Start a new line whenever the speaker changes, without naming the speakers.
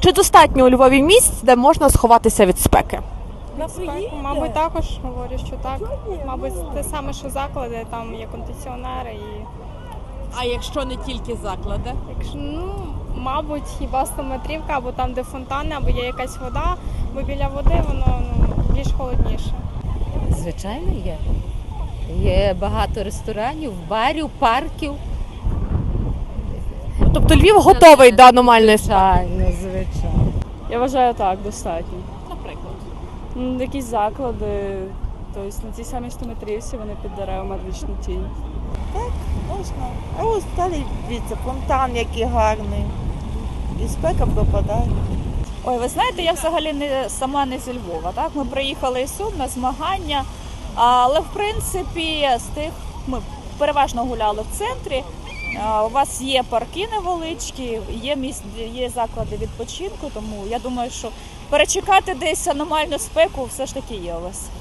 Чи достатньо у Львові місць, де можна сховатися від спеки?
Мабуть, також говорю, що так. Мабуть, те саме, що заклади, там є кондиціонери і
А якщо не тільки заклади?
якщо, мабуть, хіба 100-метрівка, або там, де фонтани, або є якась вода, бо біля води воно більш холодніше.
Звичайно, є. Є багато ресторанів, барів, парків.
Тобто Львів готовий до аномальної спеки?
Звичайно.
Я вважаю, так, достатньо.
Наприклад.
Якісь заклади, тобто на цій самій 100-метрівці вони під деревами вічну тінь.
Можна. А ось далі дивіться, фонтан який гарний. І спека пропадає.
Ой, ви знаєте, я взагалі сама не зі Львова. Так? Ми приїхали із Сум на змагання, але в принципі з тих ми переважно гуляли в центрі. У вас є парки невеличкі, є заклади відпочинку, тому я думаю, що перечекати десь аномальну спеку все ж таки є у вас.